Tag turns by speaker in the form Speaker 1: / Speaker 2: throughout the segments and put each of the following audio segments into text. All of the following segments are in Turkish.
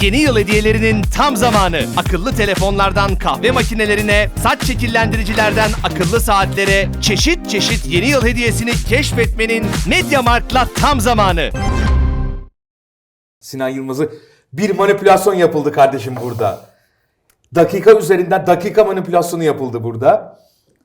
Speaker 1: Yeni yıl hediyelerinin tam zamanı. Akıllı telefonlardan kahve makinelerine, saç şekillendiricilerden akıllı saatlere, çeşit çeşit yeni yıl hediyesini keşfetmenin MediaMarkt'la tam zamanı.
Speaker 2: Sinan Yılmaz'ı bir manipülasyon yapıldı kardeşim burada. Dakika üzerinden dakika manipülasyonu yapıldı burada.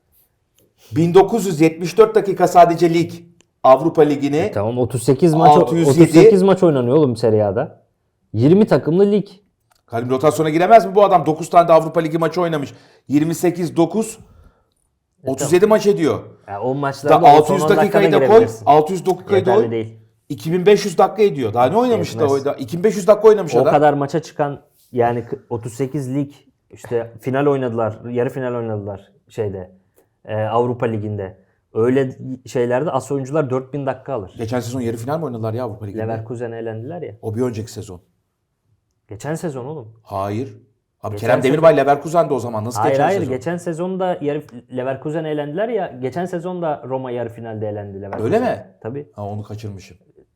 Speaker 2: 1974 dakika sadece lig. Avrupa Ligi'ni.
Speaker 3: Tamam 38 maç
Speaker 2: 607.
Speaker 3: 38 maç oynanıyor oğlum Serie A'da. 20 takımlı lig.
Speaker 2: Kalim rotasyona giremez mi bu adam? 9 tane de Avrupa Ligi maçı oynamış. 28 9 37 maç ediyor.
Speaker 3: Yani o maçlarda
Speaker 2: Da
Speaker 3: o
Speaker 2: 600
Speaker 3: son 10
Speaker 2: dakikayı da koy.
Speaker 3: girebilirsin.
Speaker 2: 600 dakikayı da
Speaker 3: Yeterli
Speaker 2: koy.
Speaker 3: değil.
Speaker 2: 2500 dakika ediyor. Daha ne oynamış da
Speaker 3: Yetmez.
Speaker 2: oyda? 2500 dakika oynamış
Speaker 3: O
Speaker 2: adam.
Speaker 3: kadar maça çıkan yani 38 lig işte final oynadılar, yarı final oynadılar Avrupa Ligi'nde. Öyle şeylerde as oyuncular 4000 dakika alır.
Speaker 2: Geçen sezon yarı final mi oynadılar ya Avrupa Ligi'nde?
Speaker 3: Leverkusen'e elendiler ya.
Speaker 2: O bir önceki sezon.
Speaker 3: Geçen sezon oğlum.
Speaker 2: Hayır. Abi
Speaker 3: Geçen
Speaker 2: Kerem Demirbay Leverkusen'de o zaman. Nasıl
Speaker 3: Hayır
Speaker 2: geçen
Speaker 3: hayır
Speaker 2: sezon?
Speaker 3: geçen sezonda Leverkusen'e elendiler ya. Geçen sezonda Roma yarı finalde elendi Leverkusen.
Speaker 2: Öyle mi?
Speaker 3: Tabii.
Speaker 2: Ha, onu kaçırmışım.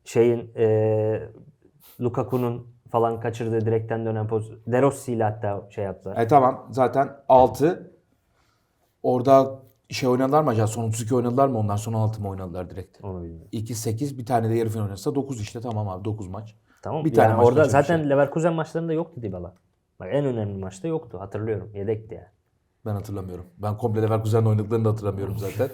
Speaker 3: Lukaku'nun falan kaçırdığı direkten dönen pozisyon. De Rossi ile hatta yaptılar.
Speaker 2: Tamam zaten 6. Orada oynadılar mı acaba? Son 32 oynadılar mı? Ondan sonra 6 mı oynadılar direkt?
Speaker 3: Onu bilmiyorum.
Speaker 2: 2 8 bir tane de yarı final oynarsa 9 işte tamam abi 9 maç.
Speaker 3: Tamam.
Speaker 2: Bir tane
Speaker 3: yani
Speaker 2: maç
Speaker 3: orada
Speaker 2: kaçırmış
Speaker 3: zaten
Speaker 2: yani.
Speaker 3: Leverkusen maçlarında yoktu Dybala. Bak en önemli maçta yoktu. Hatırlıyorum. Yedekti yani.
Speaker 2: Ben hatırlamıyorum. Ben komple Leverkusen'le oynadıklarını da hatırlamıyorum zaten.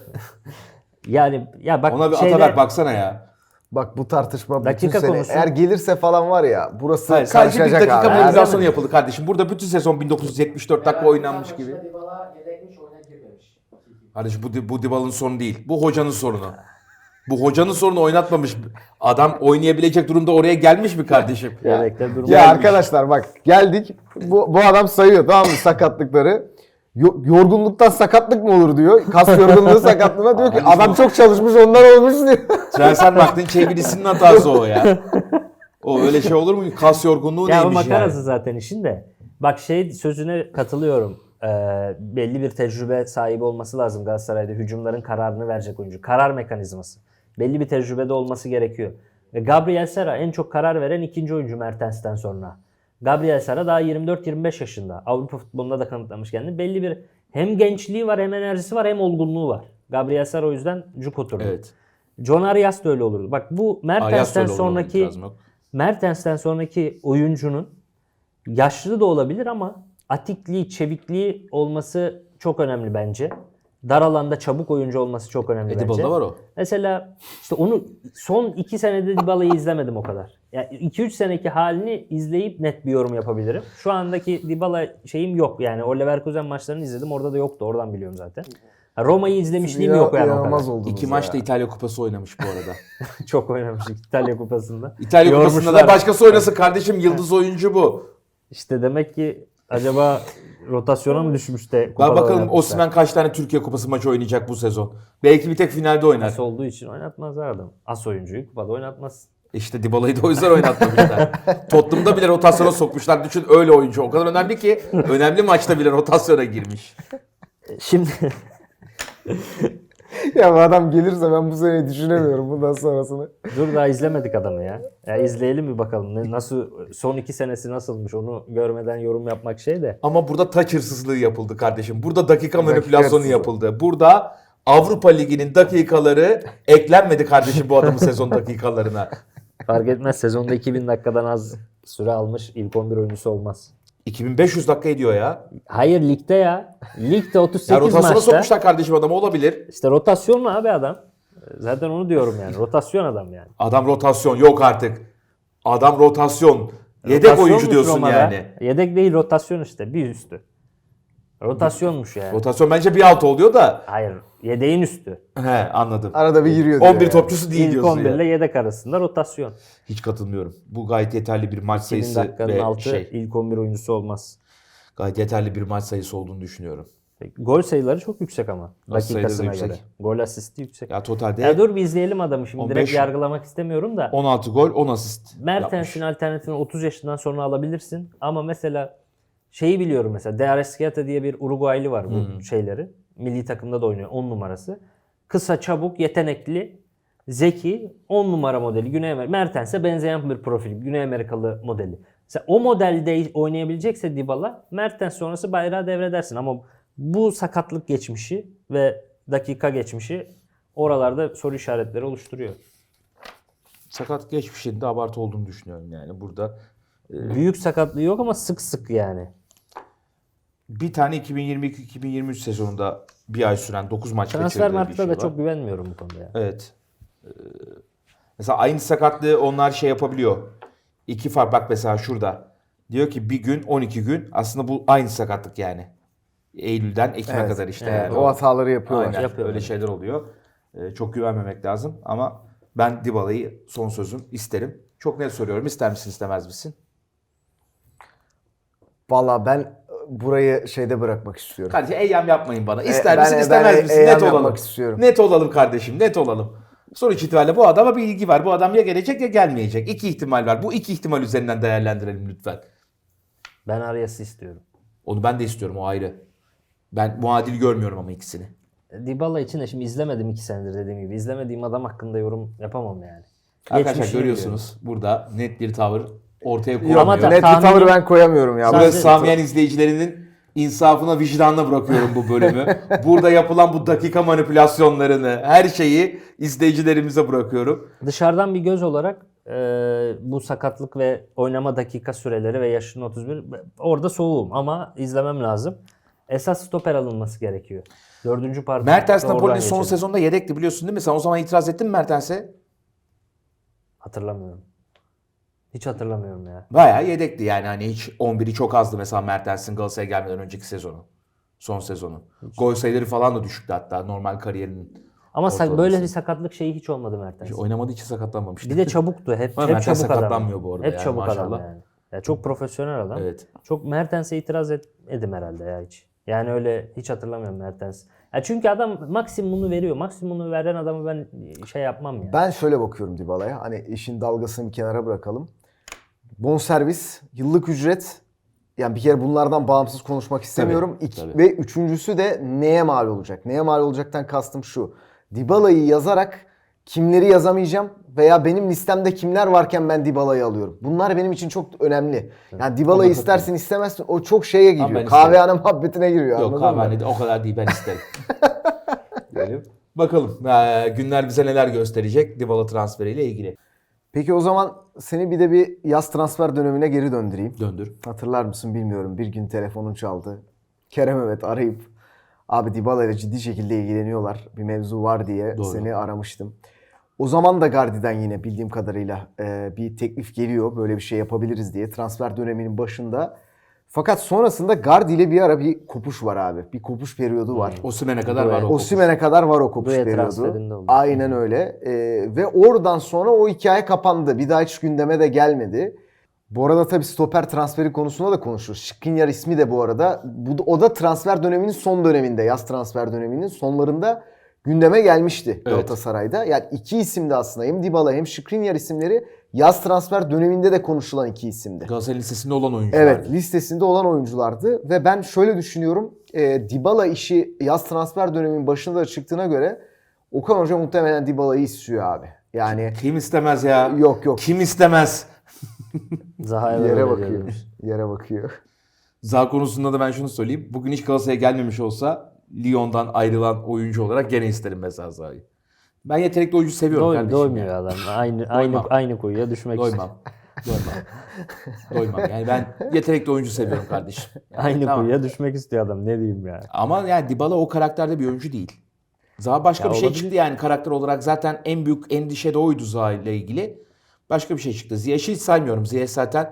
Speaker 3: Yani ya bak
Speaker 2: Ona bir Ataberk baksana ya.
Speaker 4: Bak bu tartışma
Speaker 3: Dakika
Speaker 4: bütün sene
Speaker 3: konusu.
Speaker 4: eğer gelirse falan var ya burası
Speaker 2: Hayır, sadece bir
Speaker 4: karışacak
Speaker 2: dakika
Speaker 4: abi.
Speaker 2: manipülasyonu yapıldı kardeşim. Burada bütün sezon 1974 dakika oynanmış gibi.
Speaker 5: Dybala yedekmiş, oyuna girmemiş.
Speaker 2: Kardeşim bu Dybala'nın sorunu değil. Bu hocanın sorunu. Bu hocanın sorunu oynatmamış. Adam oynayabilecek durumda oraya gelmiş mi kardeşim?
Speaker 3: Yedekte durma.
Speaker 4: Ya arkadaşlar bak geldik bu adam sayıyor tamam mı sakatlıkları. Yorgunluktan sakatlık mı olur diyor. Kas yorgunluğu sakatlığına diyor ki adam çok çalışmış ondan olmuş diyor.
Speaker 2: Transfer Markt'ın çevirisinin hatası o ya. O öyle şey olur mu? Kas yorgunluğu
Speaker 3: Ya o
Speaker 2: neymiş
Speaker 3: makarası
Speaker 2: yani?
Speaker 3: zaten işin de. Bak sözüne katılıyorum. Belli bir tecrübe sahibi olması lazım Galatasaray'da. Hücumların kararını verecek oyuncu. Karar mekanizması. Belli bir tecrübede olması gerekiyor. Gabriel Sara en çok karar veren ikinci oyuncu Mertens'ten sonra. Gabriel Sara daha 24-25 yaşında. Avrupa futbolunda da kanıtlamış kendini. Belli bir hem gençliği var hem enerjisi var hem olgunluğu var. Gabriel Sara o yüzden cuk oturdu.
Speaker 2: Evet.
Speaker 3: John Arias da öyle olurdu. Bak bu
Speaker 2: Arias da öyle olurdu,
Speaker 3: sonraki
Speaker 2: lazım yok.
Speaker 3: Mertens'ten sonraki oyuncunun yaşlı da olabilir ama atikliği, çevikliği olması çok önemli bence. Dar alanda çabuk oyuncu olması çok önemli bence.
Speaker 2: Dybala'da var o.
Speaker 3: Mesela işte onu son 2 senede Dybala'yı izlemedim o kadar. Yani 2-3 seneki halini izleyip net bir yorum yapabilirim. Şu andaki Dybala şeyim yok. Yani o Leverkusen maçlarını izledim. Orada da yoktu. Oradan biliyorum zaten. Roma'yı izlemişliğim yok yani o
Speaker 4: İnanılmaz
Speaker 3: kadar.
Speaker 4: oldunuz
Speaker 2: 2
Speaker 4: ya.
Speaker 2: maçta İtalya Kupası oynamış bu arada.
Speaker 3: Çok oynamıştık İtalya Kupası'nda.
Speaker 2: İtalya Kupası'nda
Speaker 3: Yormuşlar.
Speaker 2: da başkası oynasın kardeşim. Yıldız oyuncu bu.
Speaker 3: İşte demek ki acaba rotasyona mı düşmüş de
Speaker 2: Bak
Speaker 3: kupada
Speaker 2: bakalım
Speaker 3: oynatmışlar?
Speaker 2: Osimhen kaç tane Türkiye Kupası maçı oynayacak bu sezon. Belki bir tek finalde oynar.
Speaker 3: As olduğu için oynatmazlar adam. As oyuncuyu kupada oynatmaz.
Speaker 2: İşte Dybala'yı da o yüzden oynatmamışlar. Tottenham'da bile rotasyona sokmuşlar. Düşün öyle oyuncu. O kadar önemli ki önemli maçta bile rotasyona girmiş.
Speaker 3: Şimdi
Speaker 4: Ya bu adam gelirse ben bu seneyi düşünemiyorum bundan sonrasını.
Speaker 3: dur daha izlemedik adamı ya. Ya izleyelim bir bakalım. Nasıl son 2 senesi nasılmış onu görmeden yorum yapmak şey de.
Speaker 2: Ama burada taç hırsızlığı yapıldı kardeşim. Burada dakika
Speaker 4: Dakika
Speaker 2: manipülasyonu
Speaker 4: hırsızlığı.
Speaker 2: yapıldı. Burada Avrupa Ligi'nin dakikaları eklenmedi kardeşim bu adamın sezon dakikalarına.
Speaker 3: Fark etmez sezonda 2000 dakikadan az süre almış ilk 11 oyuncusu olmaz.
Speaker 2: 2500 dakika ediyor ya.
Speaker 3: Hayır ligde ya. Ligde 38
Speaker 2: Ya rotasyona
Speaker 3: maçta.
Speaker 2: sokmuşlar kardeşim adamı olabilir.
Speaker 3: İşte rotasyon mu abi adam? Zaten onu diyorum yani. Rotasyon adam yani.
Speaker 2: Adam rotasyon yok artık. Adam rotasyon. Yedek
Speaker 3: Rotasyonmuş
Speaker 2: oyuncu diyorsun
Speaker 3: Roma'da.
Speaker 2: yani.
Speaker 3: Yedek değil rotasyon işte bir üstü. Rotasyonmuş yani.
Speaker 2: Rotasyon bence bir alt oluyor da.
Speaker 3: Hayır yedeğin üstü.
Speaker 2: He anladım.
Speaker 4: Arada bir giriyor diyor
Speaker 2: 11
Speaker 4: yani.
Speaker 2: topçusu değil
Speaker 3: İlk
Speaker 2: diyorsun
Speaker 3: 11 ile
Speaker 2: ya.
Speaker 3: yedek arasında rotasyon.
Speaker 2: Hiç katılmıyorum. Bu gayet yeterli bir maç
Speaker 3: 2000
Speaker 2: sayısı
Speaker 3: dakikanın
Speaker 2: ve
Speaker 3: altı ilk 11 oyuncusu olmaz.
Speaker 2: gayet yeterli bir maç sayısı olduğunu düşünüyorum.
Speaker 3: Gol sayıları çok yüksek ama.
Speaker 2: Gol sayıları da
Speaker 3: Dakikasına
Speaker 2: yüksek.
Speaker 3: göre. Gol asisti yüksek.
Speaker 2: Ya totalde
Speaker 3: Ya dur bir izleyelim adamı şimdi.
Speaker 2: 15
Speaker 3: Direkt yargılamak istemiyorum da.
Speaker 2: 16 gol 10 asist yapmış.
Speaker 3: Mertens'in alternatifini 30 yaşından sonra alabilirsin. Ama mesela şeyi biliyorum mesela. De Arrascaeta diye bir Uruguaylı var bu şeyleri. Milli takımda da oynuyor 10 numarası. Kısa, çabuk, yetenekli, zeki 10 numara modeli. Mertens'e benzeyen bir profil. Güney Amerikalı modeli. Mesela o modelde oynayabilecekse Dybala, Mertens sonrası bayrağı devredersin. Ama bu sakatlık geçmişi ve dakika geçmişi oralarda soru işaretleri oluşturuyor.
Speaker 2: Sakat geçmişinde abartı olduğunu düşünüyorum yani. Burada
Speaker 3: Büyük sakatlığı yok ama sık sık yani.
Speaker 2: bir tane 2022-2023 sezonunda bir ay süren 9 maç
Speaker 3: Transfer
Speaker 2: geçirdiği bir
Speaker 3: markta
Speaker 2: şey
Speaker 3: da
Speaker 2: var.
Speaker 3: çok güvenmiyorum bu konuda ya.
Speaker 2: Evet. Mesela aynı sakatlığı onlar şey yapabiliyor. İki fark bak mesela şurada. Diyor ki bir gün 12 gün aslında bu aynı sakatlık yani. Eylül'den Ekim'e
Speaker 4: Evet.
Speaker 2: kadar işte
Speaker 3: Evet,
Speaker 2: yani.
Speaker 4: O hataları yapıyorlar.
Speaker 2: Aynen
Speaker 3: Yapıyorlar.
Speaker 2: öyle şeyler oluyor. Çok güvenmemek lazım ama ben Dybala'yı son sözüm isterim. Çok net soruyorum. İster misin istemez misin?
Speaker 4: Valla ben burayı şeyde bırakmak istiyorum.
Speaker 2: Kardeşim eyyam yapmayın bana. İster
Speaker 4: ben-
Speaker 2: misin
Speaker 4: ben
Speaker 2: istemez misin?
Speaker 4: eyyam
Speaker 2: Net olalım.
Speaker 4: yapmak istiyorum.
Speaker 2: Net olalım kardeşim net olalım. Sonuç itibariyle bu adama bir ilgi var. Bu adam ya gelecek ya gelmeyecek. İki ihtimal var. Bu iki ihtimal üzerinden değerlendirelim lütfen.
Speaker 3: Ben Arias'ı istiyorum.
Speaker 2: Onu ben de istiyorum o ayrı. Ben muadil görmüyorum ama ikisini.
Speaker 3: Dybala için de şimdi izlemedim 2 senedir dediğim gibi. İzlemediğim adam hakkında yorum yapamam yani.
Speaker 2: Arkadaşlar
Speaker 3: Geçmişini
Speaker 2: görüyorsunuz burada net bir tavır ortaya
Speaker 4: Yok,
Speaker 2: koyulmuyor.
Speaker 3: Ama
Speaker 4: net bir
Speaker 3: tahminim-
Speaker 4: tavır ben koyamıyorum ya.
Speaker 3: Sadece-
Speaker 2: Burası Samiyen izleyicilerinin insafına, vicdanına bırakıyorum bu bölümü. Burada yapılan bu dakika manipülasyonlarını, her şeyi izleyicilerimize bırakıyorum.
Speaker 3: Dışarıdan bir göz olarak bu sakatlık ve oynama dakika süreleri ve yaşının 31 orada soğuğum ama izlemem lazım. Esas stoper alınması gerekiyor. 4. parti.
Speaker 2: Mertens
Speaker 3: oradan
Speaker 2: Napoli'nin son
Speaker 3: geçelim.
Speaker 2: sezonda yedekti biliyorsun değil mi? Sen o zaman itiraz ettin mi Mertens'e?
Speaker 3: Hatırlamıyorum. Hiç hatırlamıyorum ya.
Speaker 2: Bayağı yedekti yani hani hiç 11'i çok azdı mesela Mertens'in Galatasaray'a gelmeden önceki sezonu. Son sezonu. Gol sayıları falan da düşüktü hatta normal kariyerinin.
Speaker 3: Ama
Speaker 2: ortalaması.
Speaker 3: böyle bir sakatlık şeyi hiç olmadı Mertens.
Speaker 2: Hiç oynamadığı için sakatlanmamıştı.
Speaker 3: Bir de çabuktu. Hep
Speaker 2: Ama Mertens
Speaker 3: çabuk adam.
Speaker 2: sakatlanmıyor bu arada
Speaker 3: Hep
Speaker 2: yani,
Speaker 3: çabuk adam
Speaker 2: maşallah.
Speaker 3: yani. Ya çok profesyonel adam.
Speaker 2: Evet.
Speaker 3: Çok Mertens'e itiraz etmedim herhalde ya hiç. Yani öyle hiç hatırlamıyorum Mertens. Ya çünkü adam maksimumunu veriyor. Maksimumunu veren adamı ben şey yapmam ya.
Speaker 4: Ben şöyle bakıyorum Dybala'ya. Hani işin dalgasını bir kenara bırakalım. Bonservis, yıllık ücret. Yani bir kere bunlardan bağımsız konuşmak istemiyorum.
Speaker 2: tabii.
Speaker 4: Ve üçüncüsü de neye mal olacak? Neye mal olacaktan kastım şu. Dybala'yı yazarak kimleri yazamayacağım veya benim listemde kimler varken ben Dybala'yı alıyorum. Bunlar benim için çok önemli. Yani Dybala'yı istersin istemezsin o çok şeye
Speaker 2: Ama
Speaker 4: giriyor.
Speaker 2: ben
Speaker 4: Kahvehane muhabbetine giriyor.
Speaker 2: Yok
Speaker 4: anladın mı?
Speaker 2: kahvehanede o kadar değil ben isterim. Diyelim. Bakalım günler bize neler gösterecek Dybala transferiyle ilgili.
Speaker 4: Peki o zaman seni bir de bir yaz transfer dönemine geri döndüreyim.
Speaker 2: Döndür.
Speaker 4: Hatırlar mısın bilmiyorum. Bir gün telefonun çaldı. Kerem Evet arayıp abi Dybala ile ciddi şekilde ilgileniyorlar. Bir mevzu var diye
Speaker 2: Doğru.
Speaker 4: seni aramıştım. O zaman da Gardi'den yine bildiğim kadarıyla bir teklif geliyor. Böyle bir şey yapabiliriz diye transfer döneminin başında. Fakat sonrasında Gardi ile bir ara bir kopuş var abi. Bir kopuş periyodu var.
Speaker 2: Osimhen'e kadar var o.
Speaker 4: Osimhen'e kadar var o kopuş
Speaker 3: Duet
Speaker 4: periyodu.
Speaker 3: transferinde oldu.
Speaker 4: Aynen öyle. Ve oradan sonra o hikaye kapandı. Bir daha hiç gündeme de gelmedi. Bu arada tabii stoper transferi konusunda da konuşuruz. Skriniar ismi de bu arada. O da transfer döneminin son döneminde, yaz transfer döneminin sonlarında gündeme gelmişti Galatasaray'da. Yani iki isim de aslında hem Dybala hem Skriniar isimleri yaz transfer döneminde de konuşulan iki isimdi.
Speaker 2: Galatasaray listesinde olan oyuncular.
Speaker 4: Evet, listesinde olan oyunculardı ve ben şöyle düşünüyorum. Dybala işi yaz transfer döneminin başında da çıktığına göre Okan Hoca muhtemelen Dybala'yı istiyor abi. Yani
Speaker 2: Kim istemez ya?
Speaker 4: yok.
Speaker 2: Kim istemez?
Speaker 3: Zaha'ya da
Speaker 4: Yere
Speaker 3: öyle
Speaker 4: bakıyor.
Speaker 3: diyormuş.
Speaker 4: Yere bakıyor.
Speaker 2: Zaha konusunda da ben şunu söyleyeyim. Bugün hiç Galatasaray'a gelmemiş olsa Lyon'dan ayrılan oyuncu olarak gene isterim mesela Zaha'yı. Ben yetenekli oyuncu seviyorum kardeşim.
Speaker 3: Doymuyor
Speaker 2: yani.
Speaker 3: adam.
Speaker 2: Doymam.
Speaker 3: Aynı kuyuya düşmek istiyor.
Speaker 2: Doymam. Doymam. Yani ben yetenekli oyuncu seviyorum kardeşim. Yani
Speaker 3: Aynı
Speaker 2: tamam.
Speaker 3: kuyuya düşmek istiyor adam. Ne diyeyim ya.
Speaker 2: Ama yani Dybala o karakterde bir oyuncu değil. Zaha başka
Speaker 3: Ya
Speaker 2: bir şey
Speaker 3: olabilir.
Speaker 2: çıktı yani karakter olarak. Zaten en büyük endişe de oydu Zaha ile ilgili. Başka bir şey çıktı. Ziyech'i hiç saymıyorum. Ziyech zaten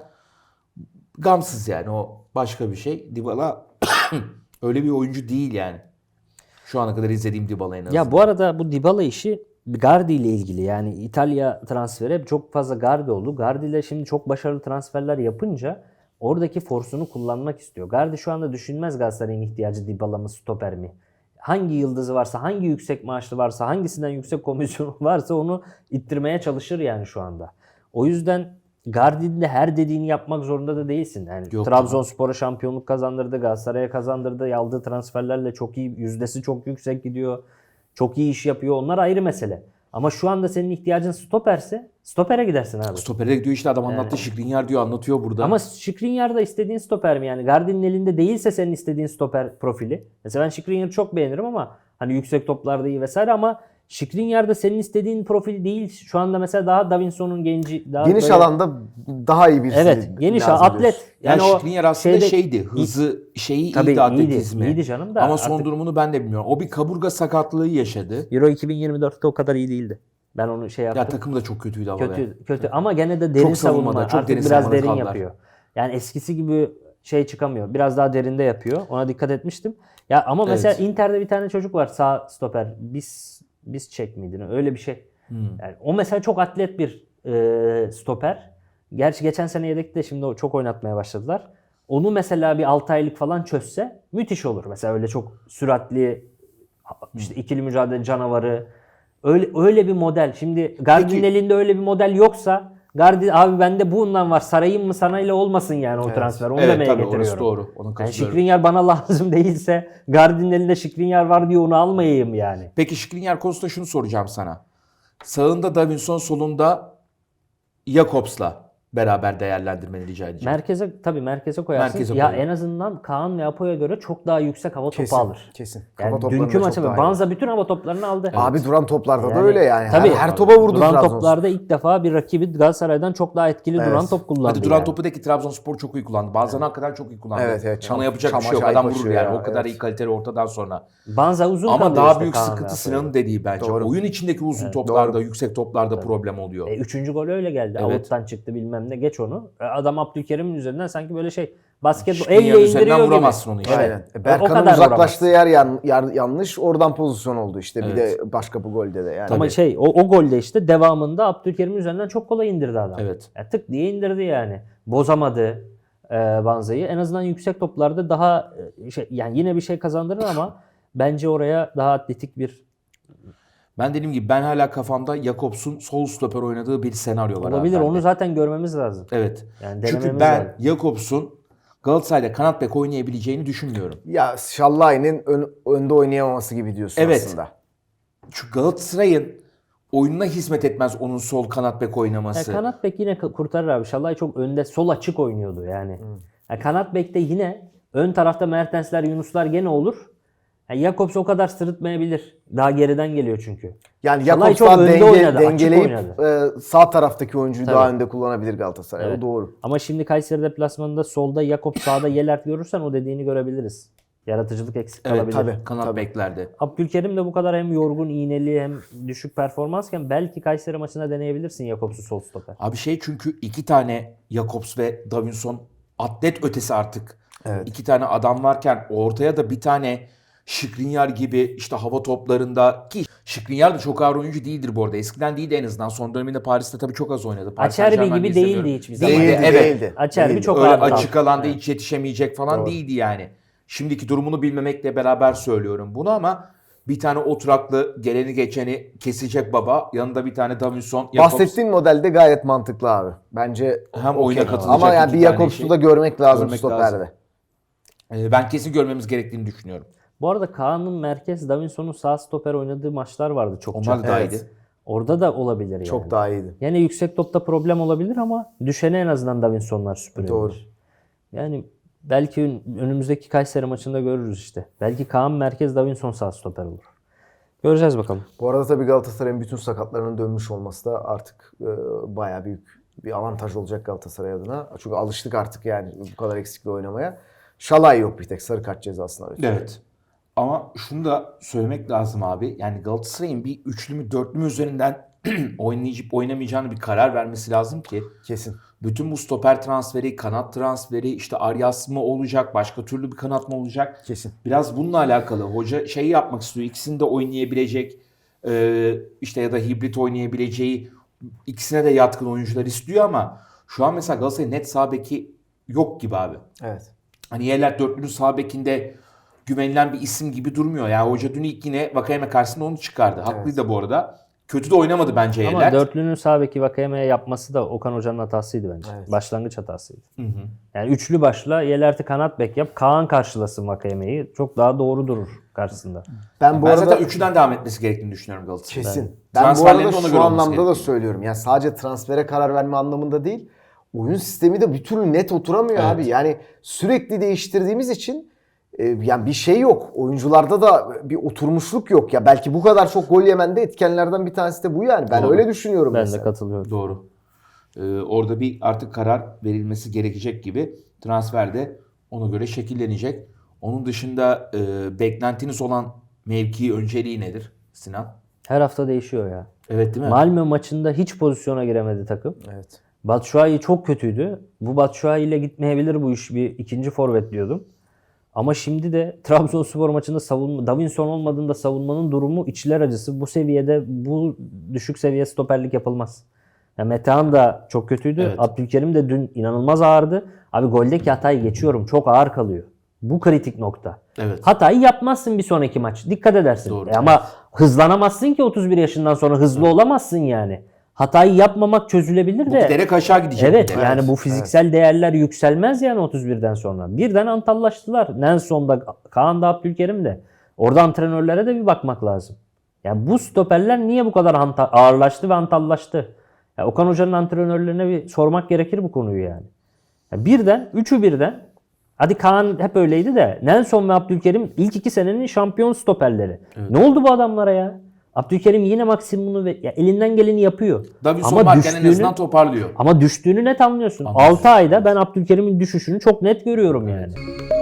Speaker 2: gamsız yani o başka bir şey. Dybala öyle bir oyuncu değil yani. Şu ana kadar izlediğim Dybala en azından.
Speaker 3: Ya bu arada bu Dybala işi Gardi ile ilgili. Yani İtalya transferi hep çok fazla Gardi oldu. Gardi ile şimdi çok başarılı transferler yapınca oradaki forsunu kullanmak istiyor. Gardi şu anda düşünmez Galatasaray'ın ihtiyacı Dybala mı stoper mi? Hangi yıldızı varsa, hangi yüksek maaşlı varsa, hangisinden yüksek komisyonu varsa onu ittirmeye çalışır yani şu anda. O yüzden Gardi'nin de her dediğini yapmak zorunda da değilsin. Yani
Speaker 2: Yok.
Speaker 3: Trabzonspor'a şampiyonluk kazandırdı, Galatasaray'a kazandırdı. Aldığı transferlerle çok iyi, yüzdesi çok yüksek gidiyor. Çok iyi iş yapıyor. Onlar ayrı mesele. Ama şu anda senin ihtiyacın stoperse stopere gidersin abi.
Speaker 2: Stopere gidiyor işte adam anlattı. Skriniar diyor anlatıyor burada.
Speaker 3: Ama Skriniar da istediğin stoper mi yani? Gardin'in elinde değilse senin istediğin stoper profili. Mesela ben Skriniar'ı çok beğenirim ama hani yüksek toplarda iyi vesaire ama Skriniar da senin istediğin profil değil. Şu anda mesela daha Davinson'un genci. Daha
Speaker 4: Geniş
Speaker 3: böyle-
Speaker 4: alanda daha iyi birisi
Speaker 3: Evet, geniş
Speaker 4: lazım
Speaker 3: atlet.
Speaker 4: diyorsun.
Speaker 2: yani
Speaker 3: o
Speaker 2: Skriniar aslında
Speaker 3: şeyde-
Speaker 2: şeydi. Hızı şeyi
Speaker 3: Tabii
Speaker 2: iyiydi atletizmi.
Speaker 3: iyiydi canım da
Speaker 2: Ama son
Speaker 3: artık-
Speaker 2: durumunu ben de bilmiyorum. O bir kaburga sakatlığı yaşadı.
Speaker 3: Euro 2024'te o kadar iyi değildi. Ben onu şey yaptım.
Speaker 2: Ya takım da çok kötüydü ama. be.
Speaker 3: Kötü ama gene de derin
Speaker 2: Çok savunmada,
Speaker 3: savunma.
Speaker 2: çok
Speaker 3: Artık
Speaker 2: derin
Speaker 3: biraz
Speaker 2: savunmada
Speaker 3: derin
Speaker 2: kaldılar.
Speaker 3: yapıyor. Yani eskisi gibi şey çıkamıyor. Biraz daha derinde yapıyor. Ona dikkat etmiştim. Ya ama mesela
Speaker 2: Evet.
Speaker 3: Inter'de bir tane çocuk var sağ stoper. Biz çek miydi? Öyle bir şey. Yani o mesela çok atlet bir stoper. Gerçi geçen sene yedekte şimdi çok oynatmaya başladılar. Onu mesela bir 6 aylık falan çözse müthiş olur. Mesela öyle çok süratli işte ikili mücadele canavarı. Öyle bir model. Şimdi Gardin'in
Speaker 2: Peki-
Speaker 3: elinde öyle bir model yoksa Gardin abi bende bundan var sarayım mı sana ile olmasın yani o transfer. Onu
Speaker 2: Evet
Speaker 3: demeye
Speaker 2: tabii
Speaker 3: getiriyorum.
Speaker 2: orası doğru. Ona
Speaker 3: Yani
Speaker 2: katılıyorum.
Speaker 3: Skriniar bana lazım değilse Gardin'in elinde Skriniar var diye onu almayayım yani.
Speaker 2: Peki Skriniar konusunda şunu soracağım sana. Sağında Davinson, solunda Jakobs'la beraber değerlendirmeni rica edeceğim.
Speaker 3: Merkeze koyarsın.
Speaker 2: Merkeze
Speaker 3: ya
Speaker 2: koyuyor.
Speaker 3: en azından Kaan ve Apo'ya göre çok daha yüksek hava topu alır.
Speaker 4: Kesin.
Speaker 3: Yani
Speaker 4: Kafa toplarında
Speaker 3: dünkü
Speaker 4: çok
Speaker 3: maçta
Speaker 4: daha iyi.
Speaker 3: Banza bütün hava toplarını aldı.
Speaker 4: Abi duran toplarda da
Speaker 3: Yani
Speaker 4: öyle yani.
Speaker 3: tabii.
Speaker 4: Her topa vurdu
Speaker 3: Duran
Speaker 4: Trabzonspor.
Speaker 3: toplarda ilk defa bir rakibi Galatasaray'dan çok daha etkili
Speaker 4: Evet.
Speaker 3: duran top kullandı.
Speaker 2: Hadi duran
Speaker 3: yani.
Speaker 2: topudaki Trabzonspor çok iyi kullandı. Bazen hakikaten çok iyi kullandı.
Speaker 4: Evet, evet.
Speaker 2: Ona yapacak bir şey yok.
Speaker 4: Acayip
Speaker 2: Adam vurur
Speaker 4: açıyor
Speaker 2: yani.
Speaker 4: ya,
Speaker 2: O kadar
Speaker 4: evet.
Speaker 2: iyi kaliteli ortadan sonra.
Speaker 3: Banza uzun
Speaker 2: Ama
Speaker 3: kalıyor
Speaker 2: daha
Speaker 3: işte
Speaker 2: büyük
Speaker 3: Kaan ve
Speaker 2: sıkıntı
Speaker 3: Apo'ya.
Speaker 2: Sinan'ın dediği bence.
Speaker 4: Doğru.
Speaker 2: Oyun içindeki uzun toplarda, yüksek toplarda problem oluyor.
Speaker 3: Üçüncü gol öyle geldi.
Speaker 2: Evet.
Speaker 3: Avuttan çıktı bilmem ne. Geç onu. Adam Abdülkerim'in üzerinden sanki böyle şey basketbol
Speaker 2: Skriniar'ın
Speaker 3: elle indiriyor
Speaker 2: üzerinden
Speaker 3: gibi.
Speaker 2: vuramazsın onu işte.
Speaker 4: Aynen.
Speaker 3: O
Speaker 4: Berkan'ın
Speaker 3: kadar
Speaker 4: uzaklaştığı yer yanlış. Oradan pozisyon oldu işte. Bir
Speaker 2: Evet.
Speaker 4: de başka bu golde de yani.
Speaker 3: Ama o golde işte devamında Abdülkerim'in üzerinden çok kolay indirdi adam.
Speaker 2: Evet.
Speaker 3: Ya tık diye indirdi yani. Bozamadı Banza'yı. En azından yüksek toplarda daha yani yine bir şey kazandırır ama bence oraya daha atletik bir
Speaker 2: Ben dediğim gibi ben hala kafamda Jakobs'un sol stoper oynadığı bir senaryo var.
Speaker 3: olabilir.
Speaker 2: abi
Speaker 3: Onu
Speaker 2: bende.
Speaker 3: zaten görmemiz lazım.
Speaker 2: Evet.
Speaker 3: Yani
Speaker 2: Çünkü
Speaker 3: denememiz
Speaker 2: ben
Speaker 3: lazım.
Speaker 2: Jakobs'un Galatasaray'da kanat bek oynayabileceğini düşünmüyorum.
Speaker 4: Ya Şallay'ın önde oynayamaması gibi diyorsun
Speaker 2: Evet.
Speaker 4: aslında.
Speaker 2: Çünkü Galatasaray'ın oyununa hizmet etmez onun sol kanat bek
Speaker 3: Ya
Speaker 2: oynaması.
Speaker 3: kanat bek yine kurtarır abi. Şallay çok önde sol açık oynuyordu yani. Ya kanat bekte yine ön tarafta Mertensler, Yunuslar gene olur. Ya Jakobs o kadar sırıtmayabilir. Daha geriden geliyor çünkü.
Speaker 4: Yani
Speaker 3: Şalay
Speaker 4: Jakobs
Speaker 3: çok
Speaker 4: daha
Speaker 3: önde oynadı, açık
Speaker 4: dengeleyip
Speaker 3: oynadı.
Speaker 4: sağ taraftaki oyuncuyu daha
Speaker 3: Tabii.
Speaker 4: önde kullanabilir Galatasaray.
Speaker 3: Evet.
Speaker 4: O doğru.
Speaker 3: Ama şimdi Kayseri deplasmanında solda Jakobs sağda Yelert görürsen o dediğini görebiliriz. Yaratıcılık eksik
Speaker 2: Evet
Speaker 3: kalabilir.
Speaker 2: tabii kanat beklerde.
Speaker 3: Abdülkerim de bu kadar hem yorgun, iğneli hem düşük performansken belki Kayseri maçında deneyebilirsin Jakobs'u sol stoper.
Speaker 2: Abi çünkü iki tane Jakobs ve Davinson atlet ötesi artık.
Speaker 4: Evet.
Speaker 2: İki tane adam varken ortaya da bir tane Skriniar gibi işte hava toplarında ki Skriniar da çok ağır oyuncu değildir bu arada. Eskiden değildi en azından. Son döneminde Paris'te tabii çok az oynadı. Paris
Speaker 3: Acerbi
Speaker 2: Saint-Germain'de
Speaker 3: gibi
Speaker 2: izlemiyorum.
Speaker 3: değildi hiçbir zaman.
Speaker 2: Değildi, evet.
Speaker 3: Acerbi
Speaker 4: Değildi.
Speaker 3: çok
Speaker 2: Öyle
Speaker 3: ağır
Speaker 2: açık
Speaker 3: kaldı.
Speaker 2: alanda
Speaker 3: Evet.
Speaker 2: hiç yetişemeyecek falan
Speaker 4: Doğru.
Speaker 2: değildi yani. Şimdiki durumunu bilmemekle beraber söylüyorum bunu ama bir tane oturaklı geleni geçeni kesecek baba. Yanında bir tane Davinson. Jakobs.
Speaker 4: Bahsettiğin modelde gayet mantıklı abi. Bence
Speaker 2: Hem
Speaker 4: okey.
Speaker 2: oyuna katılacak
Speaker 4: Ama yani
Speaker 2: iki
Speaker 4: bir
Speaker 2: tane
Speaker 4: Jakobs'u
Speaker 2: şey
Speaker 4: da görmek lazım
Speaker 2: görmek
Speaker 4: stoperde.
Speaker 2: lazım. Ben kesin görmemiz gerektiğini düşünüyorum.
Speaker 3: Bu arada Kaan'ın merkez, Davinson'un sağ stoper oynadığı maçlar vardı çok.
Speaker 2: Onlar da daha
Speaker 4: Evet.
Speaker 2: iyiydi.
Speaker 3: Orada da olabilir yani.
Speaker 4: Çok daha iyiydi.
Speaker 3: Yine yüksek topta problem olabilir ama düşene en azından Davinson'lar süpürebilir.
Speaker 4: Doğru.
Speaker 3: Yani belki önümüzdeki Kayseri maçında görürüz işte. Belki Kaan merkez, Davinson sağ stoper olur. Göreceğiz bakalım.
Speaker 4: Bu arada tabii Galatasaray'ın bütün sakatlarının dönmüş olması da artık bayağı büyük bir avantaj olacak Galatasaray adına. Çünkü alıştık artık yani bu kadar eksikle oynamaya. Şalay yok bir tek sarı kart cezasına.
Speaker 2: Evet. Ama şunu da söylemek lazım abi. Yani Galatasaray'ın bir üçlü mü dörtlü mü üzerinden oynayıp oynamayacağını bir karar vermesi lazım ki
Speaker 4: Kesin.
Speaker 2: bütün bu stoper transferi, kanat transferi, işte Arias mı olacak, başka türlü bir kanat mı olacak?
Speaker 4: Kesin.
Speaker 2: Biraz bununla alakalı. Hoca şeyi yapmak istiyor. İkisini de oynayabilecek, işte ya da hibrit oynayabileceği, ikisine de yatkın oyuncular istiyor ama şu an mesela Galatasaray'ın net sağ beki yok gibi abi.
Speaker 4: Evet.
Speaker 2: Hani Yeler dörtlünün sağ bekinde güvenilen bir isim gibi durmuyor. Yani hoca dün ilk yine Vakayeme karşısında onu çıkardı. Haklıydı bu arada. kötü de oynamadı bence
Speaker 3: Ama
Speaker 2: Elert.
Speaker 3: dörtlünün sağ beki Vakayeme'ye yapması da Okan Hoca'nın hatasıydı bence.
Speaker 4: Evet.
Speaker 3: Başlangıç hatasıydı. Yani üçlü başla, Yelert'i kanat bek yap, Kaan karşılasın Vakayeme'yi. Çok daha doğru durur karşısında.
Speaker 4: Ben bu
Speaker 2: Ben
Speaker 4: arada
Speaker 2: zaten üçünden devam etmesi gerektiğini düşünüyorum Galatasaray'ın.
Speaker 4: kesin. Ben bu
Speaker 2: Transferlerin
Speaker 4: arada
Speaker 2: de ona
Speaker 4: şu
Speaker 2: göre olması
Speaker 4: anlamda da
Speaker 2: gerekiyor.
Speaker 4: söylüyorum. Yani sadece transfere karar verme anlamında değil. Oyun sistemi de bir türlü net oturamıyor
Speaker 2: Evet.
Speaker 4: abi. Yani sürekli değiştirdiğimiz için yani bir şey yok. Oyuncularda da bir oturmuşluk yok. Ya belki bu kadar çok gol yemen de etkenlerden bir tanesi de bu yani. Ben
Speaker 2: Doğru.
Speaker 4: öyle düşünüyorum
Speaker 3: Ben
Speaker 4: mesela.
Speaker 3: de katılıyorum.
Speaker 2: Doğru. Orada bir artık karar verilmesi gerekecek gibi. Transferde ona göre şekillenecek. Onun dışında beklentiniz olan mevki önceliği nedir Sinan?
Speaker 3: Her hafta değişiyor ya.
Speaker 2: Evet değil mi?
Speaker 3: Malmö maçında hiç pozisyona giremedi takım.
Speaker 4: Evet.
Speaker 3: Batshuayi çok kötüydü. Bu Batshuayi ile gitmeyebilir bu iş. Bir ikinci forvet diyordum. Ama şimdi de Trabzonspor maçında savunma, Davinson olmadığında savunmanın durumu içler acısı. Bu seviyede, bu düşük seviye stoperlik yapılmaz. Yani Metehan da çok kötüydü.
Speaker 2: Evet.
Speaker 3: Abdülkerim de dün inanılmaz ağırdı. Abi goldeki hatayı geçiyorum. Çok ağır kalıyor. Bu kritik nokta.
Speaker 2: Evet.
Speaker 3: Hatayı yapmazsın bir sonraki maç. Dikkat edersin.
Speaker 2: Doğru.
Speaker 3: Ama hızlanamazsın ki 31 yaşından sonra hızlı olamazsın yani. Hatayı yapmamak çözülebilir
Speaker 2: Bu
Speaker 3: de.
Speaker 2: giderek aşağı gidecek.
Speaker 3: Evet
Speaker 2: bir de.
Speaker 3: yani bu fiziksel değerler yükselmez yani 31'den sonra. Birden antallaştılar. Nelson'da, Kaan'da, Abdülkerim de. Orada antrenörlere de bir bakmak lazım. Yani bu stoperler niye bu kadar ağırlaştı ve antallaştı? Yani Okan Hoca'nın antrenörlerine bir sormak gerekir bu konuyu yani. Yani birden, üçü birden. Hadi Kaan hep öyleydi de Nelson ve Abdülkerim ilk 2 senenin şampiyon stoperleri. Ne oldu bu adamlara ya? Abdülkerim yine maksimumunu ya elinden geleni yapıyor.
Speaker 2: Davinson varken en azından toparlıyor.
Speaker 3: Ama düştüğünü net anlıyorsun.
Speaker 2: Anlıyorsun.
Speaker 3: 6 ayda ben Abdülkerim'in düşüşünü çok net görüyorum yani.